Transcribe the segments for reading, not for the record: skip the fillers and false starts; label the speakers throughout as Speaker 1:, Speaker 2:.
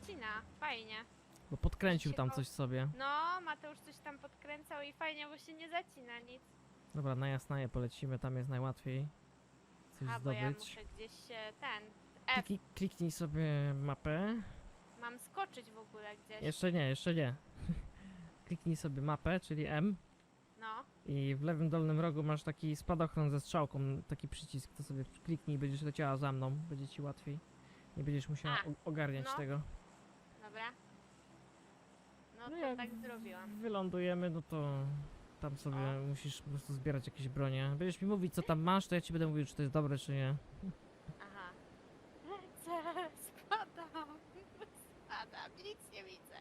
Speaker 1: zacina, fajnie.
Speaker 2: Bo podkręcił
Speaker 1: się
Speaker 2: tam
Speaker 1: po-
Speaker 2: coś sobie.
Speaker 1: No, Mateusz coś tam podkręcał i fajnie, bo się nie zacina nic.
Speaker 2: Dobra, na Jasnaje polecimy, tam jest najłatwiej coś
Speaker 1: A, bo ja
Speaker 2: zdobyć.
Speaker 1: muszę gdzieś się F.
Speaker 2: Kliknij sobie mapę.
Speaker 1: Mam skoczyć w ogóle gdzieś.
Speaker 2: Jeszcze nie, jeszcze nie. Kliknij sobie mapę, czyli M.
Speaker 1: No,
Speaker 2: I w lewym dolnym rogu masz taki spadochron ze strzałką, taki przycisk, to sobie kliknij i będziesz leciała za mną, będzie ci łatwiej. Nie będziesz musiała
Speaker 1: A,
Speaker 2: ogarniać
Speaker 1: no.
Speaker 2: tego.
Speaker 1: dobra. No
Speaker 2: No
Speaker 1: to
Speaker 2: jak
Speaker 1: tak zrobiłam.
Speaker 2: wylądujemy, no to tam sobie
Speaker 1: O.
Speaker 2: musisz po prostu zbierać jakieś bronie. Będziesz mi mówić co tam masz, to ja ci będę mówił czy to jest dobre czy nie.
Speaker 1: Aha. Lecę, spadam. Spadam, nic nie widzę.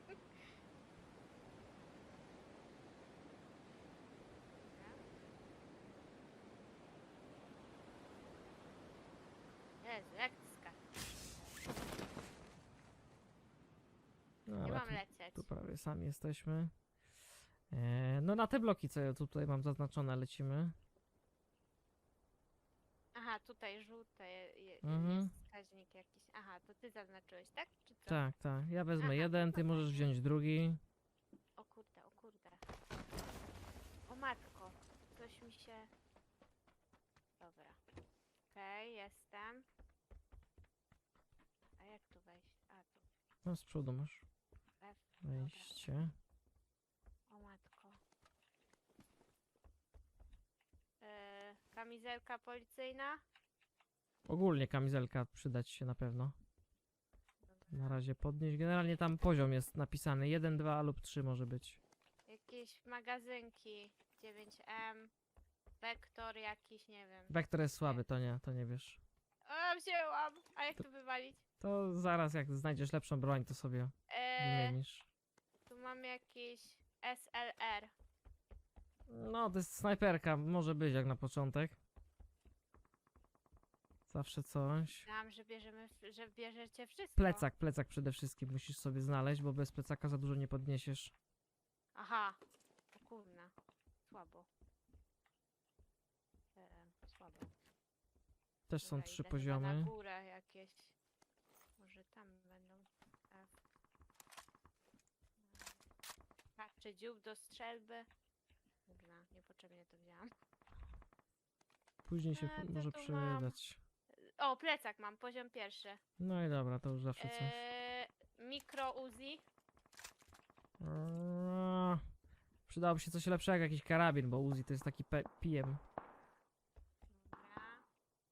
Speaker 1: Jezu, jak ty skaczesz?
Speaker 2: No,
Speaker 1: Nie
Speaker 2: ale
Speaker 1: mam lecieć.
Speaker 2: tu prawie sami jesteśmy. No na te bloki co ja tutaj mam zaznaczone lecimy.
Speaker 1: Aha, tutaj żółte
Speaker 2: Mhm.
Speaker 1: jest wskaźnik jakiś. Aha, to ty zaznaczyłeś, tak? Czy co?
Speaker 2: Tak, tak. Ja wezmę
Speaker 1: Aha,
Speaker 2: jeden, ty
Speaker 1: no
Speaker 2: możesz
Speaker 1: fajnie.
Speaker 2: wziąć drugi.
Speaker 1: O kurde, o kurde. O matko, coś mi się... Dobra. Okej, jestem. A jak tu wejść? A, tu
Speaker 2: No z przodu masz
Speaker 1: F.
Speaker 2: wejście.
Speaker 1: O matko. Kamizelka policyjna?
Speaker 2: Ogólnie kamizelka przydać się na pewno. Na razie podnieść. Generalnie tam poziom jest napisany. 1, 2 lub 3 może być.
Speaker 1: Jakieś magazynki. 9M. Wektor jakiś, nie wiem.
Speaker 2: Wektor jest słaby, to nie wiesz.
Speaker 1: O, wzięłam! A jak to wywalić?
Speaker 2: To zaraz jak znajdziesz lepszą broń, to sobie wymienisz.
Speaker 1: Tu mam jakieś SLR.
Speaker 2: No, to jest snajperka, może być jak na początek. Zawsze coś.
Speaker 1: Myślałam, że że bierzecie wszystko.
Speaker 2: Plecak przede wszystkim musisz sobie znaleźć, bo bez plecaka za dużo nie podniesiesz.
Speaker 1: Aha. O kurna. Słabo. Słabo.
Speaker 2: Też są
Speaker 1: Dobra,
Speaker 2: 3
Speaker 1: idę chyba na
Speaker 2: poziomy.
Speaker 1: górę jakieś. Może tam będą. F. Czy dziób do strzelby? Kurna, niepotrzebnie to wzięłam.
Speaker 2: Później się
Speaker 1: to
Speaker 2: może
Speaker 1: tu mam.
Speaker 2: przydać.
Speaker 1: O, plecak mam, poziom pierwszy.
Speaker 2: No i dobra, to już zawsze coś.
Speaker 1: Mikro Uzi.
Speaker 2: Przydałoby się coś lepszego, jakiś karabin, bo Uzi to jest taki PM.
Speaker 1: Dobra.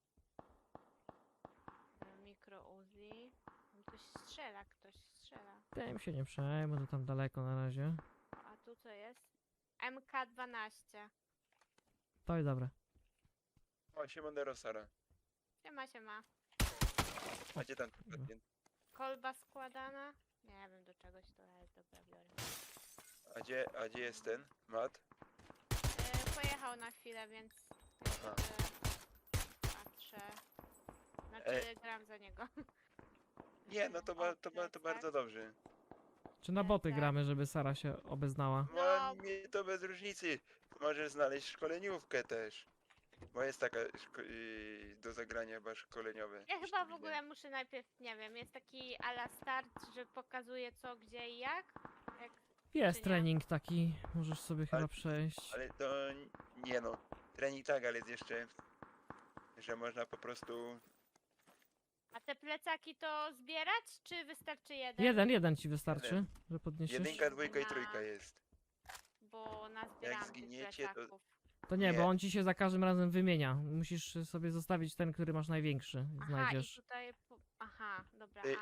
Speaker 1: Mikro Uzi. Ktoś strzela, ktoś strzela.
Speaker 2: Tym się nie przejmę, to tam daleko na razie.
Speaker 1: A tu co jest? MK12.
Speaker 2: To i dobre.
Speaker 3: O, Siemandero Sara.
Speaker 1: Siema, siema.
Speaker 3: A gdzie ten?
Speaker 1: Kolba składana? Nie wiem do czegoś to, ale dobra, biorę.
Speaker 3: A gdzie jest ten? Mat?
Speaker 1: Pojechał na chwilę, więc
Speaker 3: Aha.
Speaker 1: patrzę. Znaczy gram za niego.
Speaker 3: Nie, no to, to bardzo dobrze.
Speaker 2: Czy na boty
Speaker 1: Tak.
Speaker 2: gramy, żeby Sara się obeznała?
Speaker 3: No, mi to bez różnicy. Możesz znaleźć szkoleniówkę też. Bo jest taka do zagrania chyba szkoleniowe.
Speaker 1: Ja
Speaker 3: Gdzieś
Speaker 1: chyba
Speaker 3: tu
Speaker 1: w ogóle muszę najpierw, nie wiem, jest taki a la start, że pokazuje co, gdzie i jak.
Speaker 2: Jest
Speaker 1: czy nie?
Speaker 2: trening taki, możesz sobie chyba
Speaker 3: Ale-
Speaker 2: przejść.
Speaker 3: Ale to nie no. Trening tak, ale jest jeszcze, że można po prostu...
Speaker 1: A te plecaki to zbierać, czy wystarczy jeden?
Speaker 2: Jeden ci wystarczy, że podniesiesz?
Speaker 3: Jedynka, dwójka i
Speaker 1: Na-
Speaker 3: trójka jest.
Speaker 1: Bo nazbierałam tych
Speaker 3: zginiecie, to-
Speaker 1: plecaków.
Speaker 2: To nie,
Speaker 3: Nie.
Speaker 2: bo on ci się za każdym razem wymienia. Musisz sobie zostawić ten, który masz największy.
Speaker 1: Aha,
Speaker 2: Znajdziesz.
Speaker 1: i tutaj... Aha, dobra,
Speaker 3: Y,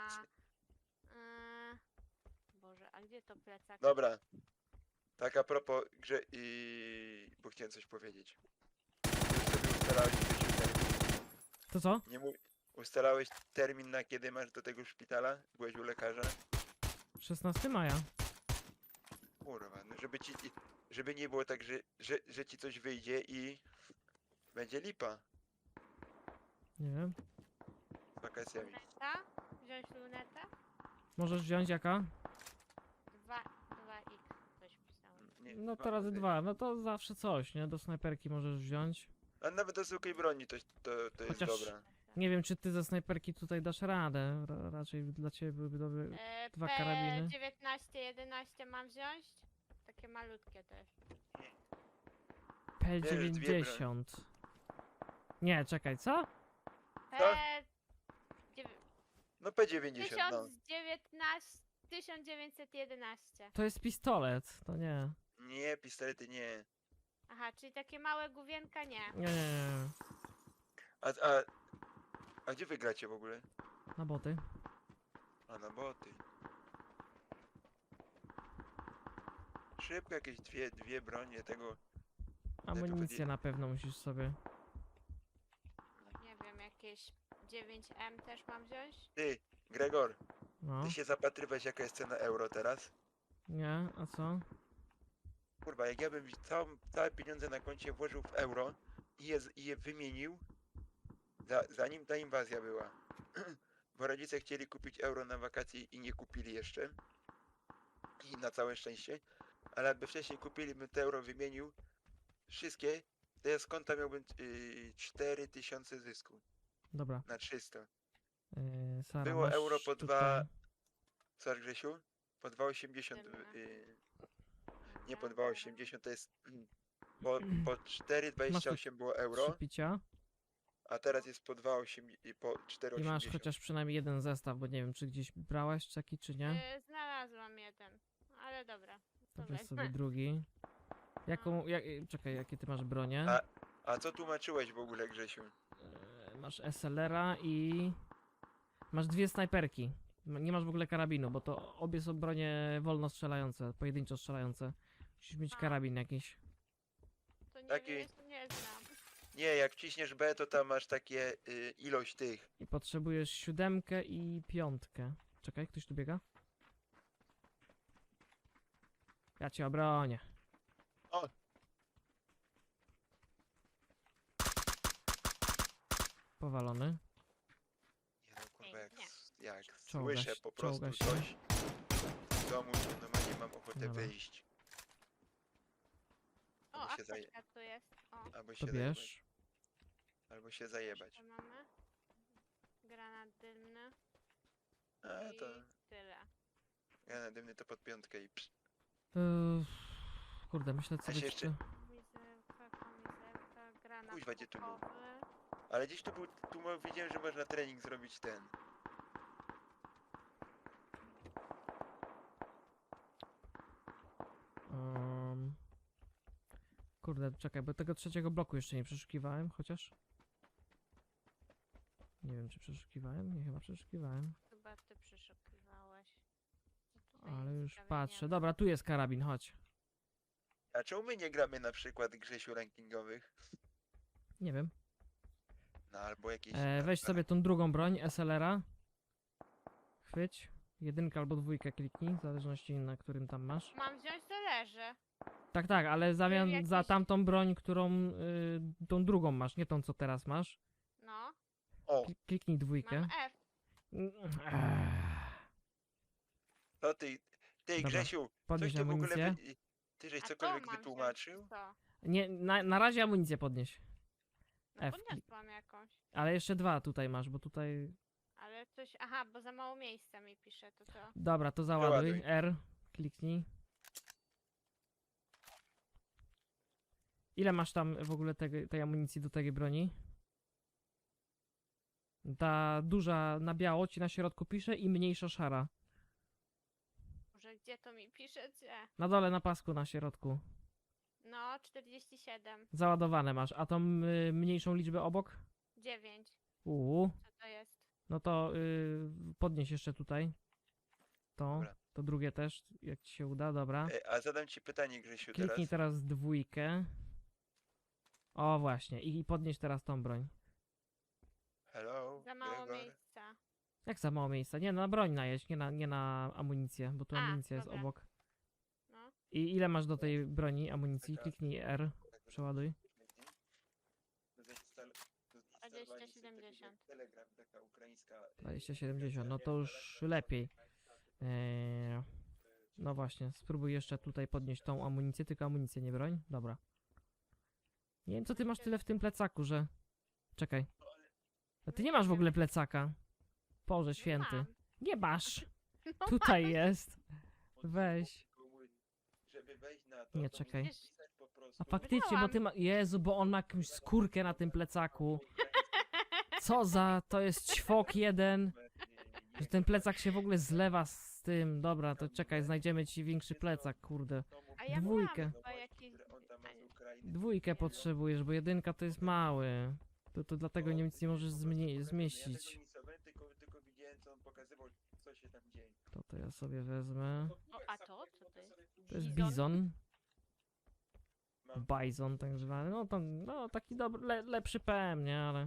Speaker 1: Boże, a gdzie to plecak?
Speaker 3: Dobra. Tak a propos grze bo chciałem coś powiedzieć. Ty sobie ustalałeś gdzieś termin.
Speaker 2: To co?
Speaker 3: Nie mów... Ustalałeś termin na kiedy masz do tego szpitala? Byłeś u lekarza?
Speaker 2: 16 maja.
Speaker 3: Kurwa, no żeby nie było tak, że ci coś wyjdzie i będzie lipa
Speaker 2: Nie wiem.
Speaker 3: z wakacjami.
Speaker 1: Luneta? Wziąć lunetę?
Speaker 2: Możesz wziąć jaka?
Speaker 1: 2x, coś pisałem.
Speaker 3: Nie,
Speaker 2: No to razy 2. No to zawsze coś, nie? Do snajperki możesz wziąć.
Speaker 3: A nawet do zwykłej broni to jest
Speaker 2: Chociaż-
Speaker 3: dobra.
Speaker 2: Nie wiem, czy ty ze snajperki tutaj dasz radę. Raczej dla ciebie byłyby dobre. Dwa karabiny.
Speaker 1: P19, 11 mam wziąć? Takie malutkie też.
Speaker 2: P90. Nie, czekaj, co?
Speaker 1: P... dziewię-
Speaker 3: No P90, no.
Speaker 1: 1911.
Speaker 2: To jest pistolet, to nie.
Speaker 3: Nie, pistolety nie.
Speaker 1: Aha, czyli takie małe główienka nie.
Speaker 2: Nie.
Speaker 3: A gdzie wy gracie w ogóle?
Speaker 2: Na boty.
Speaker 3: A na boty. Szybko jakieś dwie bronie tego.
Speaker 2: Amunicję na pewno musisz sobie.
Speaker 1: Nie wiem, jakieś 9M też mam wziąć?
Speaker 3: Ty, Gregor,
Speaker 2: No.
Speaker 3: ty się zapatrywałeś jaka jest cena euro teraz?
Speaker 2: Nie, a co?
Speaker 3: Kurwa, jak ja bym całe pieniądze na koncie włożył w euro i je wymienił, zanim ta inwazja była. Bo rodzice chcieli kupić euro na wakacje i nie kupili jeszcze. I na całe szczęście. Ale jakby wcześniej kupili, bym te euro wymienił wszystkie, to ja z konta miałbym 4000 zysku
Speaker 2: Dobra.
Speaker 3: na 300.
Speaker 2: Sara,
Speaker 3: Było
Speaker 2: masz
Speaker 3: euro po
Speaker 2: tutaj...
Speaker 3: Co, Grzesiu? Po 2,80. Nie po 2,80 to jest... Po 4,28 było
Speaker 2: Trzy
Speaker 3: euro,
Speaker 2: picia.
Speaker 3: a teraz jest po 2,8 i po
Speaker 2: I masz
Speaker 3: 4,80.
Speaker 2: chociaż przynajmniej jeden zestaw, bo nie wiem, czy gdzieś brałaś taki, czy nie.
Speaker 1: Znalazłam jeden, ale dobra.
Speaker 2: To
Speaker 1: to
Speaker 2: weź
Speaker 1: weź.
Speaker 2: sobie drugi. Czekaj, jakie ty masz bronie?
Speaker 3: A co tłumaczyłeś w ogóle, Grzesiu?
Speaker 2: Masz SLR-a i... Masz dwie snajperki. Nie masz w ogóle karabinu, bo to obie są bronie wolno strzelające, pojedynczo strzelające. Musisz mieć
Speaker 1: A.
Speaker 2: karabin jakiś.
Speaker 1: To nie
Speaker 3: Taki-
Speaker 1: wiem, nie znam.
Speaker 3: Nie, jak wciśniesz B, to tam masz takie ilość tych.
Speaker 2: I potrzebujesz 7 i 5. Czekaj, ktoś tu biega? Ja cię obronię.
Speaker 3: O!
Speaker 2: Powalony.
Speaker 3: Nie no, kurwa,
Speaker 1: Pięknie.
Speaker 3: jak
Speaker 2: Czołga
Speaker 3: słyszę
Speaker 2: się-
Speaker 3: po prostu
Speaker 2: czołga się.
Speaker 3: coś w domu, to normalnie mam ochotę
Speaker 2: Dobra.
Speaker 3: wyjść.
Speaker 1: O,
Speaker 3: Albo się,
Speaker 1: apteczka tu jest. O,
Speaker 3: albo
Speaker 2: To
Speaker 3: się zajebać.
Speaker 2: bierz.
Speaker 3: Albo się zajebać.
Speaker 1: to mamy. Granat dymny
Speaker 3: A
Speaker 1: i
Speaker 3: to
Speaker 1: tyle.
Speaker 3: ja na dymny to pod piątkę i psz.
Speaker 2: Kurde, myślę co
Speaker 3: Ja się
Speaker 2: by
Speaker 3: jeszcze-
Speaker 1: Wizelka, kamizelka, granat
Speaker 3: Kuźwa, gdzie to było?
Speaker 1: puchowy.
Speaker 3: Ale gdzieś widziałem, że można trening zrobić ten.
Speaker 2: Kurde, czekaj, bo tego trzeciego bloku jeszcze nie przeszukiwałem, chociaż... Nie wiem, czy przeszukiwałem? Nie, chyba przeszukiwałem.
Speaker 1: Chyba ty przeszukiwałeś. Tutaj
Speaker 2: Ale
Speaker 1: nic
Speaker 2: już
Speaker 1: ciekawego
Speaker 2: patrzę.
Speaker 1: nie
Speaker 2: Dobra, tu jest karabin, chodź.
Speaker 3: A czemu my nie gramy na przykład Grzesiu rankingowych?
Speaker 2: Nie wiem.
Speaker 3: No albo jakieś...
Speaker 2: Weź sobie tą drugą broń, SLR-a. Chwyć. Jedynkę albo dwójkę kliknij, w zależności na którym tam masz.
Speaker 1: Mam wziąć, to leży.
Speaker 2: Tak, tak, ale w zamian za
Speaker 1: jakiś-
Speaker 2: tamtą broń, którą... tą drugą masz, nie tą, co teraz masz.
Speaker 1: No,
Speaker 3: O,
Speaker 2: Kliknij dwójkę.
Speaker 1: mam F.
Speaker 3: to ty
Speaker 2: Dobra,
Speaker 3: Grzesiu, coś
Speaker 2: Podnieś
Speaker 3: ty w ogóle...
Speaker 2: amunicję.
Speaker 3: Ty żeś
Speaker 1: A
Speaker 3: cokolwiek
Speaker 1: to mam
Speaker 3: wytłumaczył?
Speaker 1: wziąć, co?
Speaker 2: Nie, na razie amunicję podnieś.
Speaker 1: No
Speaker 2: F.
Speaker 1: podniosłam jakąś.
Speaker 2: Ale jeszcze dwa tutaj masz, bo tutaj...
Speaker 1: Ale coś... Aha, bo za mało miejsca mi pisze, to co?
Speaker 2: Dobra, to załaduj.
Speaker 3: Załaduj.
Speaker 2: R. Kliknij. Ile masz tam w ogóle tej amunicji do tej broni? Ta duża na biało ci na środku pisze i mniejsza szara.
Speaker 1: Może gdzie to mi pisze? Gdzie?
Speaker 2: Na dole na pasku na środku.
Speaker 1: No, 47.
Speaker 2: Załadowane masz. A tą mniejszą liczbę obok?
Speaker 1: 9. Co to jest?
Speaker 2: No to podnieś jeszcze tutaj.
Speaker 3: Dobra.
Speaker 2: To drugie też, jak ci się uda, dobra.
Speaker 3: A zadam ci pytanie, Grzesiu,
Speaker 2: Kliknij
Speaker 3: teraz.
Speaker 2: teraz dwójkę. O właśnie, i podnieś teraz tą broń.
Speaker 3: Hello,
Speaker 1: Za mało
Speaker 3: Gregor.
Speaker 1: miejsca.
Speaker 2: Jak za mało miejsca? Nie, na broń najeść, nie na amunicję, bo tu
Speaker 1: A,
Speaker 2: amunicja jest
Speaker 1: dobra.
Speaker 2: obok.
Speaker 1: No.
Speaker 2: I ile masz do tej broni amunicji?
Speaker 3: Czekaj.
Speaker 2: Kliknij R, przeładuj.
Speaker 1: 2070.
Speaker 3: Telegram, taka ukraińska.
Speaker 2: 2070, no to już lepiej. No właśnie, spróbuj jeszcze tutaj podnieść tą amunicję, tylko amunicję nie broń. Dobra. Nie wiem, co ty masz tyle w tym plecaku, że... Czekaj. A ty nie masz w ogóle plecaka. Boże święty.
Speaker 1: Mam.
Speaker 2: Nie masz.
Speaker 1: No
Speaker 2: Tutaj jest. Weź.
Speaker 3: Żeby wejść na to,
Speaker 2: Nie,
Speaker 3: to
Speaker 2: czekaj.
Speaker 3: musisz pisać po prostu.
Speaker 2: A faktycznie, bo ty ma... Jezu, bo on ma jakąś skórkę na tym plecaku. Co za... To jest ćwok jeden. Że ten plecak się w ogóle zlewa z tym. Dobra, to czekaj, znajdziemy ci większy plecak, kurde.
Speaker 1: A ja
Speaker 2: Dwójkę.
Speaker 1: miałam chyba jakiś...
Speaker 2: Dwójkę potrzebujesz, bo jedynka to jest mały. To dlatego nic nie możesz zmieścić.
Speaker 3: Tylko widziałem, co on pokazywał, co się tam dzieje.
Speaker 2: To ja sobie wezmę.
Speaker 1: O, a to? Co to jest?
Speaker 2: To jest
Speaker 1: Bizon?
Speaker 2: bizon.
Speaker 3: Mam.
Speaker 2: Bison tak zwany. No to no, taki dobry, lepszy PM, nie? Ale...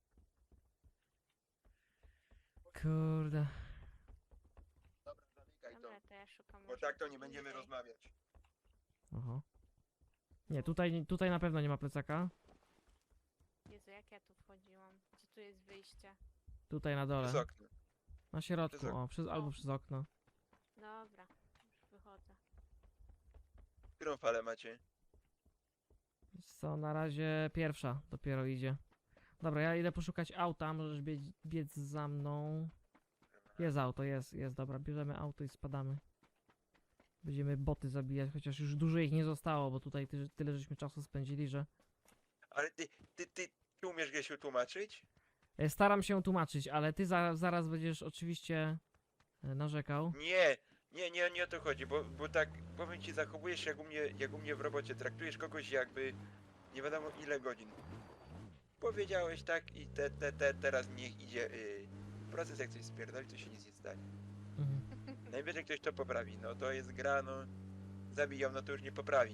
Speaker 2: Kurde.
Speaker 3: Dobra, zamykaj to,
Speaker 1: Dobra, to ja szukam.
Speaker 3: bo
Speaker 1: może
Speaker 3: tak to nie
Speaker 1: gdzieś
Speaker 3: będziemy
Speaker 1: indziej.
Speaker 3: rozmawiać.
Speaker 2: Oho. Nie, tutaj na pewno nie ma plecaka.
Speaker 1: Jezu, jak ja tu wchodziłam? Gdzie tu jest wyjście?
Speaker 2: Tutaj na
Speaker 3: Przez
Speaker 2: dole.
Speaker 3: okno.
Speaker 2: Na środku,
Speaker 3: Przez okno.
Speaker 2: o, albo przez okno.
Speaker 1: Dobra, już wychodzę.
Speaker 3: Którą falę macie?
Speaker 2: Wiesz co, na razie pierwsza dopiero idzie. Dobra, ja idę poszukać auta, możesz biec za mną. Jest auto, jest, dobra, bierzemy auto i spadamy. Będziemy boty zabijać, chociaż już dużo ich nie zostało, bo tutaj tyle żeśmy czasu spędzili, że...
Speaker 3: Ale ty umiesz Gesiu tłumaczyć?
Speaker 2: Staram się tłumaczyć, ale ty zaraz będziesz oczywiście narzekał.
Speaker 3: Nie o to chodzi, bo tak, powiem ci, zachowujesz się jak u mnie w robocie, traktujesz kogoś jakby nie wiadomo ile godzin. Powiedziałeś tak i teraz niech idzie proces, jak coś spierdoli, to się nic nie stanie.
Speaker 2: Mhm.
Speaker 3: Najwyżej ktoś to poprawi, no to jest gra, no zabiją, no to już nie poprawi.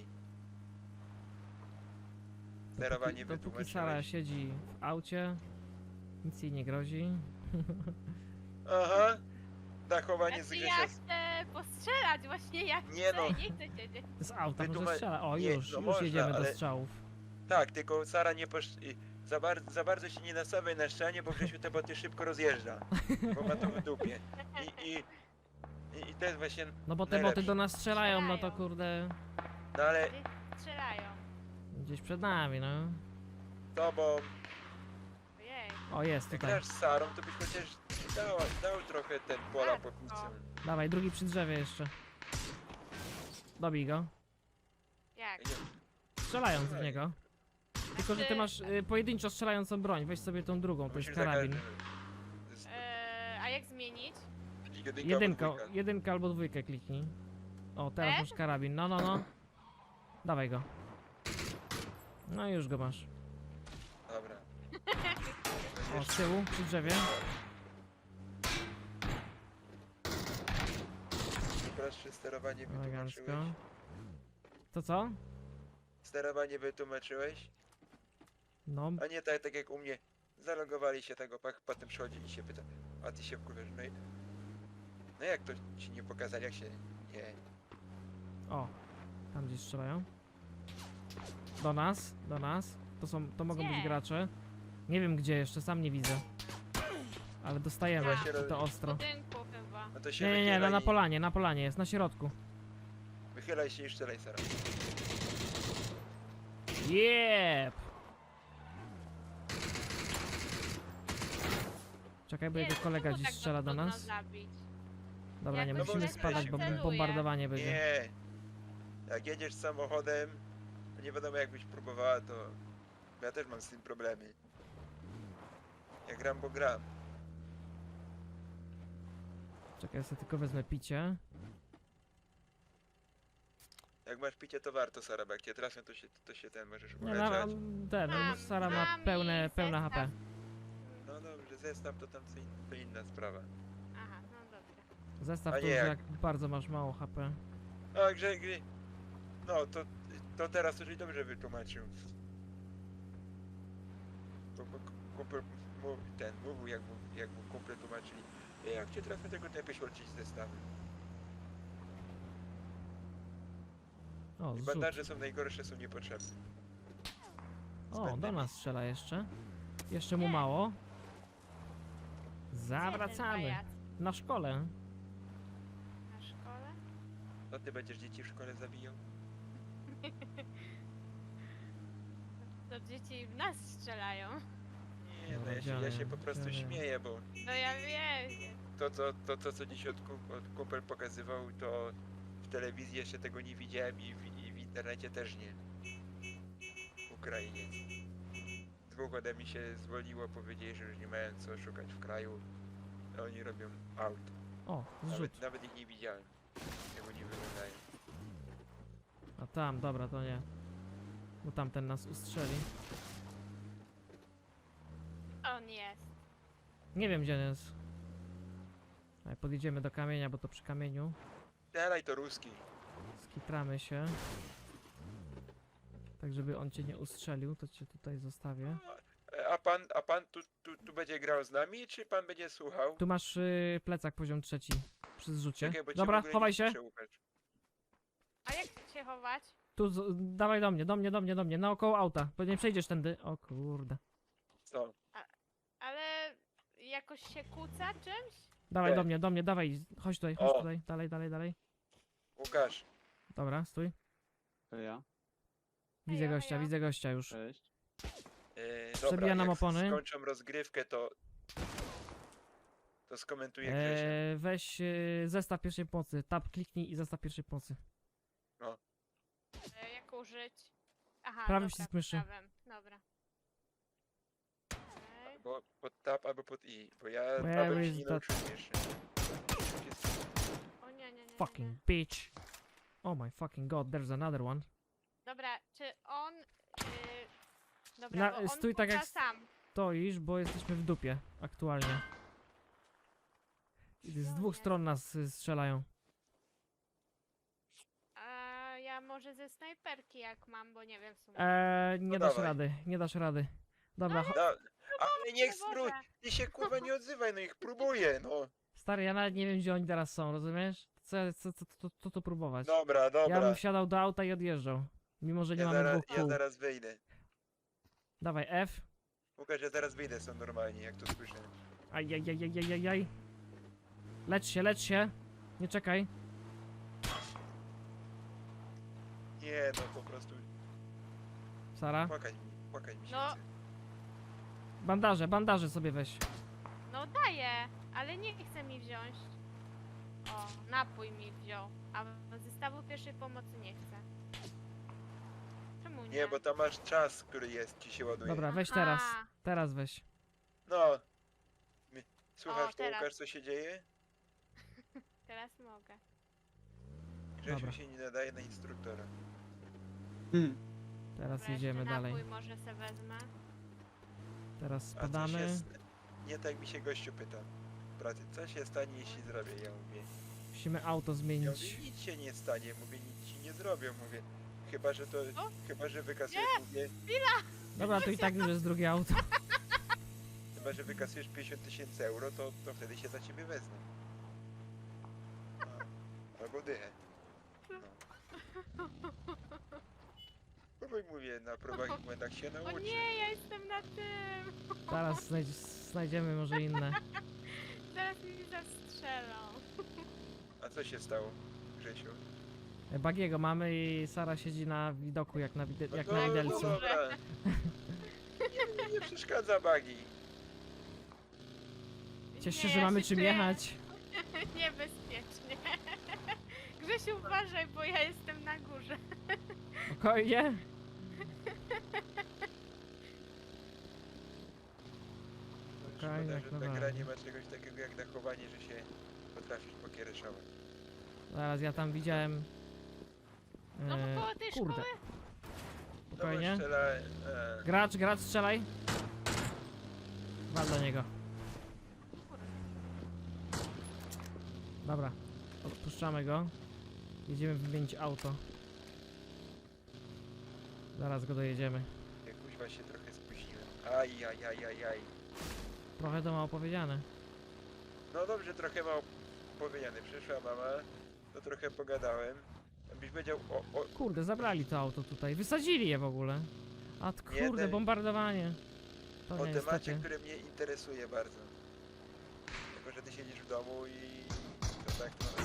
Speaker 3: Sterowanie
Speaker 2: Dopóki Sara
Speaker 3: wytłumaczyłeś.
Speaker 2: siedzi w aucie, nic jej nie grozi.
Speaker 3: Aha, dachowanie z
Speaker 1: Znaczy
Speaker 3: Grzesia.
Speaker 1: ja chcę postrzelać właśnie jak
Speaker 3: Nie
Speaker 1: chcę
Speaker 3: no.
Speaker 1: i nie chcę siedzieć.
Speaker 2: Z auta może
Speaker 3: Wytłuma-
Speaker 2: strzela. O,
Speaker 3: nie,
Speaker 2: już
Speaker 3: no można,
Speaker 2: jedziemy do
Speaker 3: ale-
Speaker 2: strzałów.
Speaker 3: Tak, tylko Sara nie za bardzo się nie nastawiaj na szczanie, bo Grzesiu te boty szybko rozjeżdża. Bo ma to w dupie. I to jest właśnie.
Speaker 2: No bo te
Speaker 3: najlepsze.
Speaker 2: boty do nas strzelają, no to
Speaker 1: Strzelają.
Speaker 2: kurde...
Speaker 3: No ale
Speaker 1: Gdzieś strzelają.
Speaker 2: Gdzieś przed nami, no.
Speaker 3: tobą,
Speaker 1: Ojej.
Speaker 2: O, jest
Speaker 3: jak
Speaker 2: tutaj.
Speaker 3: grasz z Sarą, to byś chociaż dał trochę ten pola po pizzę.
Speaker 2: Dawaj, drugi przy drzewie jeszcze. Dobij go.
Speaker 1: Jak?
Speaker 2: Strzelając w niego. Tylko, że ty masz pojedynczo strzelającą broń. Weź sobie tą drugą, to jest karabin.
Speaker 1: A jak zmienić?
Speaker 2: Jedynka albo dwójkę kliknij. O, teraz
Speaker 1: F?
Speaker 2: masz karabin. No. Dawaj go. No i już go masz.
Speaker 3: Dobra.
Speaker 2: O, z tyłu, przy drzewie.
Speaker 3: Prostsze sterowanie
Speaker 2: Elegancko.
Speaker 3: wytłumaczyłeś?
Speaker 2: To co?
Speaker 3: Sterowanie wytłumaczyłeś?
Speaker 2: No,
Speaker 3: A nie tak jak u mnie. Zalogowali się tego, potem przychodzi i się pyta, a ty się wkurwiasz, no jak to ci nie pokazali, jak się nie...
Speaker 2: o. Tam gdzieś strzelają. Do nas. To mogą być
Speaker 1: Gdzie?
Speaker 2: gracze. Nie wiem gdzie jeszcze, sam nie widzę. Ale dostajemy
Speaker 1: Ja.
Speaker 2: to
Speaker 1: W
Speaker 2: ostro.
Speaker 1: budynku chyba.
Speaker 3: No to się
Speaker 2: Nie,
Speaker 3: wychylaj
Speaker 2: na
Speaker 3: i-
Speaker 2: na polanie, jest na środku.
Speaker 3: Wychylaj się i strzelaj, Sara.
Speaker 2: Jep! Czekaj, bo
Speaker 1: Nie,
Speaker 2: jego
Speaker 1: no
Speaker 2: kolega
Speaker 1: czemu
Speaker 2: dziś
Speaker 1: tak go
Speaker 2: strzela do
Speaker 1: trudno
Speaker 2: nas.
Speaker 1: zabić?
Speaker 2: Dobra, nie
Speaker 1: Jakoś
Speaker 2: musimy
Speaker 3: źle
Speaker 2: spadać, bo
Speaker 3: celuje.
Speaker 2: bombardowanie będzie.
Speaker 3: Nie! Jak jedziesz samochodem, to nie wiadomo jakbyś próbowała, to... Ja też mam z tym problemy. Ja gram, bo gram.
Speaker 2: Czekaj, ja sobie tylko wezmę picie.
Speaker 3: Jak masz picie, to warto, Sara, bo jak cię trafią, to się ten możesz
Speaker 2: Nie,
Speaker 3: uleczać.
Speaker 1: Mam,
Speaker 2: Sara ma
Speaker 1: mam
Speaker 2: pełne
Speaker 1: i
Speaker 2: HP.
Speaker 1: zestaw.
Speaker 3: No dobrze, zestaw to tam to inna sprawa.
Speaker 1: Aha, no dobra.
Speaker 2: Zestaw
Speaker 3: A
Speaker 2: to
Speaker 3: nie
Speaker 2: już
Speaker 3: jak-
Speaker 2: jak bardzo masz mało HP.
Speaker 3: A, gry... No, to teraz to żeś dobrze wytłumaczył. Bo kumpel mówił, jak mu kumple tłumaczyli. Jak cię trafię, tego nie jakoś walczyć z zestawem.
Speaker 2: O,
Speaker 3: I
Speaker 2: zrzut.
Speaker 3: bandaże są najgorsze, są niepotrzebne.
Speaker 2: O, do nas strzela jeszcze. Jeszcze mu
Speaker 1: Nie.
Speaker 2: mało.
Speaker 1: Gdzie ten
Speaker 2: Zawracamy.
Speaker 1: pajac?
Speaker 2: Na szkole.
Speaker 1: Na szkole?
Speaker 3: To ty będziesz dzieci w szkole zabijał?
Speaker 1: To dzieci w nas strzelają.
Speaker 3: Nie, no ja się po prostu śmieję, bo
Speaker 1: No ja wiem.
Speaker 3: to co dziś od kumpel pokazywał, to w telewizji jeszcze tego nie widziałem i w internecie też nie. Ukrainiec. Dwóch ode mnie się zwolniło, powiedzieli, że już nie mają co szukać w kraju. A oni robią aut.
Speaker 2: O, zrzut.
Speaker 3: Nawet ich nie widziałem. Jak oni wyglądają.
Speaker 2: A tam, dobra, to nie. Bo tamten nas ustrzeli.
Speaker 1: On jest.
Speaker 2: Nie wiem, gdzie on jest. Ale podjedziemy do kamienia, bo to przy kamieniu.
Speaker 3: Dalej to ruski.
Speaker 2: Skitramy się. Tak, żeby on cię nie ustrzelił, to cię tutaj zostawię.
Speaker 3: A pan tu będzie grał z nami, czy pan będzie słuchał?
Speaker 2: Tu masz plecak poziom 3 przy zrzucie.
Speaker 3: Czekaj, bo cię w
Speaker 2: Dobra,
Speaker 3: ogóle
Speaker 2: chowaj
Speaker 3: nie
Speaker 2: się.
Speaker 3: słyszę, Łukasz.
Speaker 1: A jak się chować?
Speaker 2: Tu, dawaj do mnie, naokoło auta. Bo nie przejdziesz tędy. O kurde.
Speaker 3: Co?
Speaker 1: Ale jakoś się kłóca czymś?
Speaker 2: Dawaj
Speaker 3: Nie.
Speaker 2: do mnie, dawaj. Chodź
Speaker 3: O.
Speaker 2: tutaj. Dalej.
Speaker 3: Łukasz,
Speaker 2: Dobra, stój.
Speaker 4: To ja.
Speaker 2: Widzę gościa już.
Speaker 4: Cześć.
Speaker 3: dobra,
Speaker 2: Przebija nam
Speaker 3: jak
Speaker 2: opony.
Speaker 3: skończą rozgrywkę, to skomentuję Grzesia.
Speaker 2: Weź zestaw pierwszej pomocy. Tab kliknij i zestaw pierwszej pomocy.
Speaker 1: Jak użyć? Aha,
Speaker 2: Prawym
Speaker 1: dobra,
Speaker 2: przycisk myszy.
Speaker 1: prawym. Dobra. Okej.
Speaker 3: Albo pod tab, albo pod i. Bo ja
Speaker 2: Where
Speaker 3: tabem się
Speaker 2: is
Speaker 3: nie
Speaker 2: that-
Speaker 3: nauczyłem jeszcze.
Speaker 1: O nie.
Speaker 2: Fucking bitch. Oh my fucking god, there's another one.
Speaker 1: Dobra, czy on... Dobra,
Speaker 2: Na-
Speaker 1: bo on
Speaker 2: stój tak
Speaker 1: puka
Speaker 2: jak-
Speaker 1: sam.
Speaker 2: Stoisz, bo jesteśmy w dupie aktualnie. I z dwóch stron nas strzelają.
Speaker 1: A ja może ze snajperki jak mam, bo nie wiem w sumie.
Speaker 2: Nie
Speaker 3: No
Speaker 2: dasz
Speaker 3: dawaj.
Speaker 2: rady, nie dasz rady. Dobra,
Speaker 3: Ale niech
Speaker 1: Boże.
Speaker 3: spróć! Ty się kurwa nie odzywaj, no ich próbuję, no.
Speaker 2: stary, ja nawet nie wiem, gdzie oni teraz są, rozumiesz? Co tu próbować?
Speaker 3: Dobra,
Speaker 2: Ja
Speaker 3: dobra.
Speaker 2: bym wsiadał do auta i odjeżdżał. Mimo, że nie mamy dwóch
Speaker 3: Ja
Speaker 2: kół.
Speaker 3: zaraz wyjdę.
Speaker 2: Dawaj, F.
Speaker 3: Łukasz, ja zaraz wyjdę stąd normalnie, jak to słyszę.
Speaker 2: Ajajajajajajaj. Lecz się. Nie czekaj.
Speaker 3: Nie, no po prostu
Speaker 2: Sara.
Speaker 3: płakać mi się
Speaker 1: No.
Speaker 3: chce.
Speaker 2: Bandaże sobie weź.
Speaker 1: No daję, ale nie chce mi wziąć. O, napój mi wziął, a zestawu pierwszej pomocy nie chce. Czemu nie?
Speaker 3: Nie, bo tam masz czas, który jest, ci się ładuje.
Speaker 2: Dobra, weź
Speaker 1: Aha.
Speaker 2: teraz. Teraz weź.
Speaker 3: No. Słuchasz to,
Speaker 1: teraz.
Speaker 3: Łukasz, co się dzieje?
Speaker 1: Teraz mogę.
Speaker 3: Grzesiu
Speaker 2: Dobra.
Speaker 3: się nie nadaje na instruktora.
Speaker 2: Teraz
Speaker 1: Dobra,
Speaker 2: jedziemy
Speaker 1: jeszcze
Speaker 2: dalej.
Speaker 1: napój może se wezmę.
Speaker 2: Teraz
Speaker 3: A co
Speaker 2: spadamy.
Speaker 3: się... Nie tak mi się gościu pyta. W pracy, co się stanie, jeśli zrobię? Ja mówię,
Speaker 2: Musimy auto
Speaker 3: ja
Speaker 2: zmienić.
Speaker 3: mówię, nic się nie stanie, mówię, nic ci nie zrobię, mówię. Chyba, że to,
Speaker 1: O?
Speaker 3: chyba, że wykasujesz, mówię,
Speaker 2: Dobra, to i tak już jest drugie auto.
Speaker 3: chyba, że wykasujesz 50 000 euro, to wtedy się za ciebie wezmę. Albo dychę. No. Bo mówię, na próbach i błędach się
Speaker 1: O
Speaker 3: nauczy.
Speaker 1: nie, ja jestem na tym!
Speaker 2: Zaraz znajdziemy może inne.
Speaker 1: Zaraz mi zastrzelą.
Speaker 3: A co się stało, Grzesiu?
Speaker 2: Bagiego mamy i Sara siedzi na widoku jak na,
Speaker 3: No
Speaker 2: jak
Speaker 3: to-
Speaker 2: na widelcu.
Speaker 3: Dobra. Nie przeszkadza bagi.
Speaker 2: Cieszę się,
Speaker 1: Nie,
Speaker 2: że
Speaker 1: ja
Speaker 2: mamy
Speaker 1: się
Speaker 2: czym
Speaker 1: czuję
Speaker 2: jechać.
Speaker 1: Niebezpiecznie. Grzesiu, uważaj, bo ja jestem na górze.
Speaker 2: Spokojnie. Spokojnie,
Speaker 3: Szkoda,
Speaker 2: jak
Speaker 3: że ta
Speaker 2: najbardziej.
Speaker 3: gra nie ma czegoś takiego jak dachowanie, że się potrafisz pokiereszować.
Speaker 2: Zaraz ja tam widziałem.
Speaker 1: No bo koło tej
Speaker 2: kurde.
Speaker 1: szkoły.
Speaker 2: Spokojnie.
Speaker 3: No bo strzela,
Speaker 2: Gracz, strzelaj. Wal do niego. Dobra. Odpuszczamy go. Jedziemy wymienić auto. Zaraz go dojedziemy.
Speaker 3: jak kuźwa się trochę spóźniłem. Aj.
Speaker 2: Trochę to mało powiedziane.
Speaker 3: No dobrze, trochę mało powiedziane. Przyszła mama, to trochę pogadałem. Byś powiedział
Speaker 2: Kurde, zabrali to auto tutaj. Wysadzili je w ogóle. A
Speaker 3: Nie,
Speaker 2: kurde,
Speaker 3: te-
Speaker 2: bombardowanie. To
Speaker 3: o
Speaker 2: nie,
Speaker 3: temacie,
Speaker 2: niestety.
Speaker 3: który mnie interesuje bardzo. Tylko, że ty siedzisz w domu i to tak no.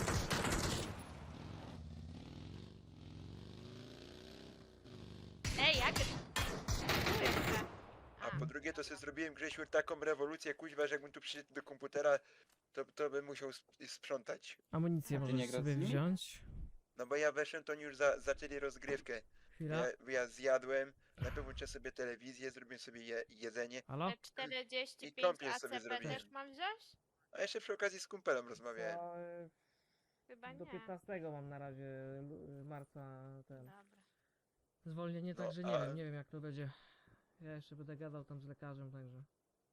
Speaker 1: Ej, jak?
Speaker 3: A po drugie to sobie zrobiłem, Grzesiu, taką rewolucję, kuźwa, że jakbym tu przyszedł do komputera, to bym musiał sprzątać.
Speaker 2: Amunicję
Speaker 4: A ty
Speaker 2: możesz
Speaker 4: nie grasz
Speaker 2: sobie
Speaker 4: z nimi?
Speaker 2: wziąć.
Speaker 3: No bo ja weszłem, to oni już zaczęli rozgrywkę.
Speaker 2: Chwila.
Speaker 3: Ja zjadłem, najpierw włączyłem sobie telewizję, zrobiłem sobie jedzenie,
Speaker 2: Halo?
Speaker 1: Te 45
Speaker 3: kąpiel sobie
Speaker 1: ACP
Speaker 3: zrobiłem.
Speaker 1: też mam wziąć?
Speaker 3: a jeszcze przy okazji z kumpelem rozmawiałem.
Speaker 1: Chyba
Speaker 2: Do
Speaker 1: nie.
Speaker 2: 15 mam na razie marca ten
Speaker 1: Dobra.
Speaker 2: zwolnienie,
Speaker 3: No,
Speaker 2: także
Speaker 3: a-
Speaker 2: nie wiem jak to będzie. Ja jeszcze będę gadał tam z lekarzem, także.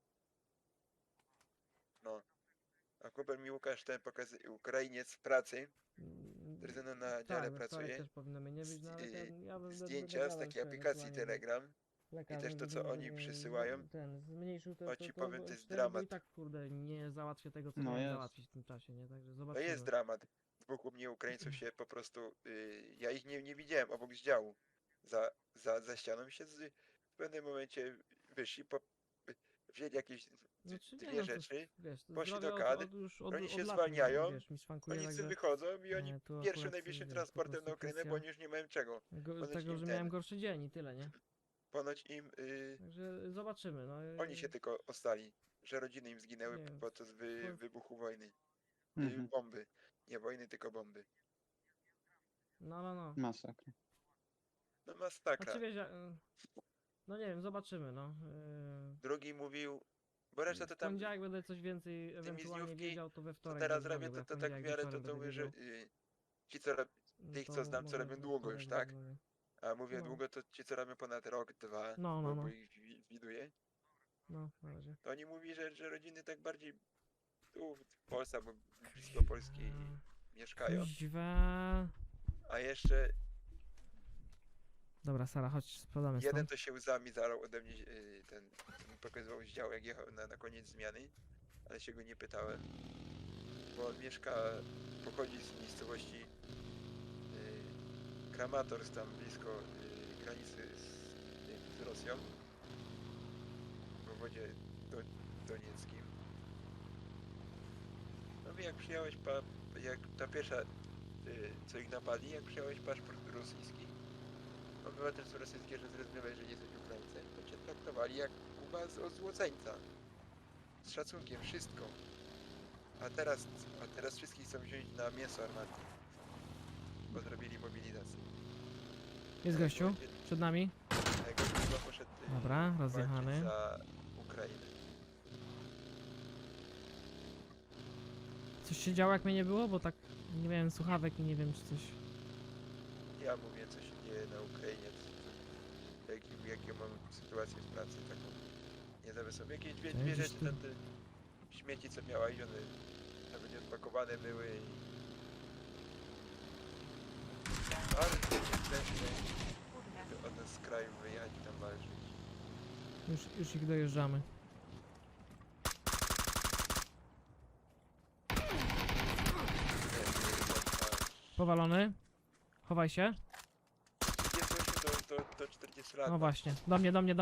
Speaker 3: A kumpel mi Łukasz ten pokazuje, Ukrainiec w pracy, który ze mną na dziale
Speaker 2: Tak, we wtorek
Speaker 3: pracuje,
Speaker 2: też powinno mnie nie być, no ale ja będę
Speaker 3: zdjęcia z
Speaker 2: gadał
Speaker 3: takiej
Speaker 2: jeszcze
Speaker 3: aplikacji
Speaker 2: ewentualnie z
Speaker 3: Telegram.
Speaker 2: lekarzem,
Speaker 3: i też to,
Speaker 2: żeby
Speaker 3: co
Speaker 2: może
Speaker 3: oni
Speaker 2: mnie
Speaker 3: przysyłają,
Speaker 2: Ten zmniejszył
Speaker 3: to ci powiem, to jest
Speaker 2: 4, bo
Speaker 3: dramat.
Speaker 2: i tak kurde nie załatwię tego co
Speaker 4: No
Speaker 2: miałem
Speaker 4: jest.
Speaker 2: załatwić w tym czasie, nie? Także
Speaker 3: To
Speaker 2: zobaczymy.
Speaker 3: jest dramat. Dwóch u mnie Ukraińców się po prostu, ja ich nie widziałem obok z działu. Za ścianą się w pewnym momencie wyszli, wzięli jakieś
Speaker 2: Znaczy, nie,
Speaker 3: dwie
Speaker 2: no to
Speaker 3: rzeczy,
Speaker 2: wiesz, to
Speaker 3: poszli
Speaker 2: zdrowie
Speaker 3: do kadr,
Speaker 2: już
Speaker 3: oni się
Speaker 2: lat
Speaker 3: zwalniają,
Speaker 2: wiesz, mi szwankuje,
Speaker 3: oni
Speaker 2: także
Speaker 3: sobie wychodzą i oni
Speaker 2: tu
Speaker 3: pierwszym
Speaker 2: akurat,
Speaker 3: najbliższym
Speaker 2: wiesz, po
Speaker 3: transportem na
Speaker 2: prostu
Speaker 3: Ukrainę, bo
Speaker 2: kwestia
Speaker 3: oni już nie mają czego.
Speaker 2: z
Speaker 3: ponoć
Speaker 2: tego,
Speaker 3: im
Speaker 2: że
Speaker 3: ten-
Speaker 2: miałem gorszy dzień i tyle, nie?
Speaker 3: Ponoć im,
Speaker 2: Także zobaczymy, no.
Speaker 3: oni się tylko ostali, że rodziny im zginęły
Speaker 2: Nie wiem,
Speaker 3: podczas wybuchu wojny.
Speaker 4: Mhm.
Speaker 3: Bomby. Nie wojny, tylko bomby.
Speaker 2: No.
Speaker 4: Masakra.
Speaker 3: No masakra.
Speaker 2: Znaczy wiesz, no nie wiem, zobaczymy, no.
Speaker 3: Drugi mówił, bo reszta to
Speaker 2: W
Speaker 3: tam,
Speaker 2: poniedziałek będę coś więcej ewentualnie
Speaker 3: dniówki,
Speaker 2: wiedział, to we
Speaker 3: co
Speaker 2: wtorek
Speaker 3: teraz
Speaker 2: zadzwonię,
Speaker 3: robię,
Speaker 2: bo ja
Speaker 3: to
Speaker 2: w
Speaker 3: tak w
Speaker 2: poniedziałek
Speaker 3: miarę to
Speaker 2: wieczorem będę
Speaker 3: mówię, że
Speaker 2: wiedział,
Speaker 3: ci co tych
Speaker 2: to
Speaker 3: co znam, co
Speaker 2: może
Speaker 3: robią
Speaker 2: we
Speaker 3: długo już,
Speaker 2: wtorek
Speaker 3: tak?
Speaker 2: zadzwonię.
Speaker 3: A mówię
Speaker 2: No.
Speaker 3: długo, to ci co robią ponad rok, dwa,
Speaker 2: No,
Speaker 3: bo
Speaker 2: no.
Speaker 3: ich widuję,
Speaker 2: No, na razie.
Speaker 3: to oni mówi, że rodziny tak bardziej tu w Polsce, albo blisko Polski mieszkają,
Speaker 2: Kuźwa.
Speaker 3: a jeszcze
Speaker 2: Dobra, Sara, chodź, sprawdzamy
Speaker 3: jeden
Speaker 2: stąd.
Speaker 3: to się łzami zalał ode mnie, ten mi pokazywał z działu, jak jechał na koniec zmiany, ale się go nie pytałem, bo on pochodzi z miejscowości Kramatorsk, tam blisko granicy z Rosją, w obwodzie donieckim. No i jak przyjąłeś, jak ta pierwsza, co ich napadli, jak przyjąłeś paszport rosyjski, obywatelstwo rosyjskie, że zrozumiałeś, że nie jesteś Ukraińcem, to cię traktowali jak Kuba od złoceńca. Z szacunkiem, wszystko. A teraz wszystkich chcą wziąć na mięso armatnie, bo zrobili mobilizację.
Speaker 2: Jest gościu, przed nami.
Speaker 3: Gościu chyba poszedł
Speaker 2: Dobra,
Speaker 3: walczyć
Speaker 2: rozjechany.
Speaker 3: za Ukrainę.
Speaker 2: Coś się działo jak mnie nie było, bo tak nie miałem słuchawek i nie wiem czy coś.
Speaker 3: Ja mówię, co się dzieje na Ukrainie, jakie mam sytuację w pracy, taką niezawisłą. Jakieś dwie
Speaker 2: Gdzieś
Speaker 3: rzeczy,
Speaker 2: tu.
Speaker 3: tam te śmieci, co miała i one nawet nie odpakowane były i... Ale to jest lepsze,
Speaker 1: Kurde.
Speaker 3: żeby od nas z kraju wyjechać i tam walczyć.
Speaker 2: Już ich dojeżdżamy. Powalony. Chowaj się.
Speaker 3: Jest gościu do 40 lat.
Speaker 2: No właśnie, do mnie.
Speaker 3: To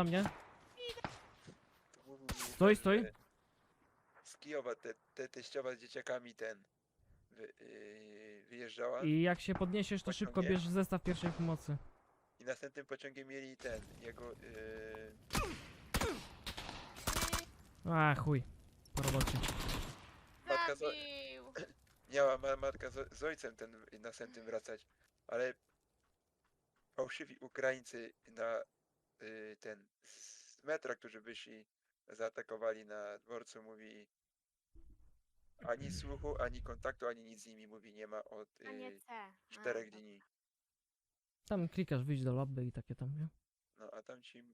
Speaker 3: mówił mi
Speaker 2: Stój,
Speaker 3: ten,
Speaker 2: stój.
Speaker 3: że Z Kijowa te teściowa z dzieciakami wyjeżdżała
Speaker 2: I jak się podniesiesz, to szybko
Speaker 3: Pociągiem.
Speaker 2: bierz zestaw pierwszej pomocy.
Speaker 3: i następnym pociągiem mieli jego
Speaker 2: A chuj. Po robocie.
Speaker 3: Matka
Speaker 1: Zabił!
Speaker 3: miała matka z ojcem następnym wracać, ale fałszywi Ukraińcy z metra, którzy wyszli, zaatakowali na dworcu, mówi ani słuchu, ani kontaktu, ani nic z nimi, mówi, nie ma od
Speaker 1: A nie C.
Speaker 3: 4 dni.
Speaker 2: Tam klikasz, wyjść do lobby i takie tam, nie?
Speaker 3: No a tam ci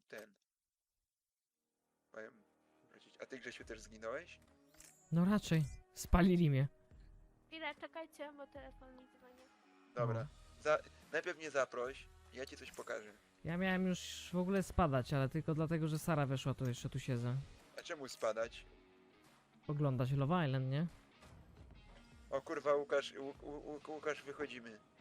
Speaker 3: mają wrócić. A ty, Grzesiu, też zginąłeś?
Speaker 2: No raczej. Spalili mnie.
Speaker 1: Chwilę, czekajcie, bo telefon mi dzwoni.
Speaker 3: Dobra. Najpierw mnie zaproś, ja ci coś pokażę.
Speaker 2: Ja miałem już w ogóle spadać, ale tylko dlatego, że Sara weszła, to jeszcze tu siedzę.
Speaker 3: A czemu spadać?
Speaker 2: Oglądać Love Island, nie?
Speaker 3: O kurwa, Łukasz, wychodzimy.